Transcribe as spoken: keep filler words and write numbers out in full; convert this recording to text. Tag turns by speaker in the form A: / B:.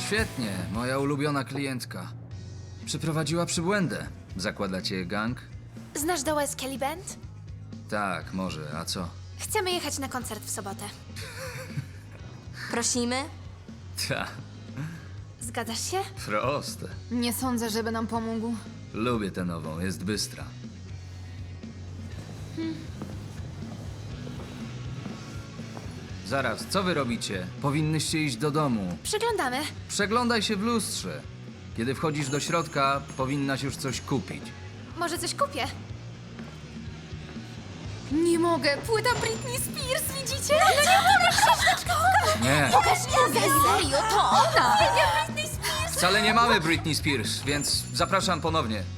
A: świetnie, moja ulubiona klientka. Przyprowadziła przybłędę. Zakładacie gang?
B: Znasz The West Kelly Band?
A: Tak, może, a co?
B: Chcemy jechać na koncert w sobotę.
C: Prosimy?
A: Ta,
B: Zgadzasz się?
A: proste.
D: Nie sądzę, żeby nam pomógł.
A: Lubię tę nową, jest bystra. Zaraz, co wy robicie? Powinnyście iść do domu.
B: Przyglądamy.
A: Przeglądaj się w lustrze. Kiedy wchodzisz do środka, powinnaś już coś kupić.
B: Może coś kupię?
D: Nie mogę, płyta Britney Spears, widzicie?
A: Nie,
C: Mówię serio, to ona!
A: wcale nie mamy Britney Spears, więc zapraszam ponownie.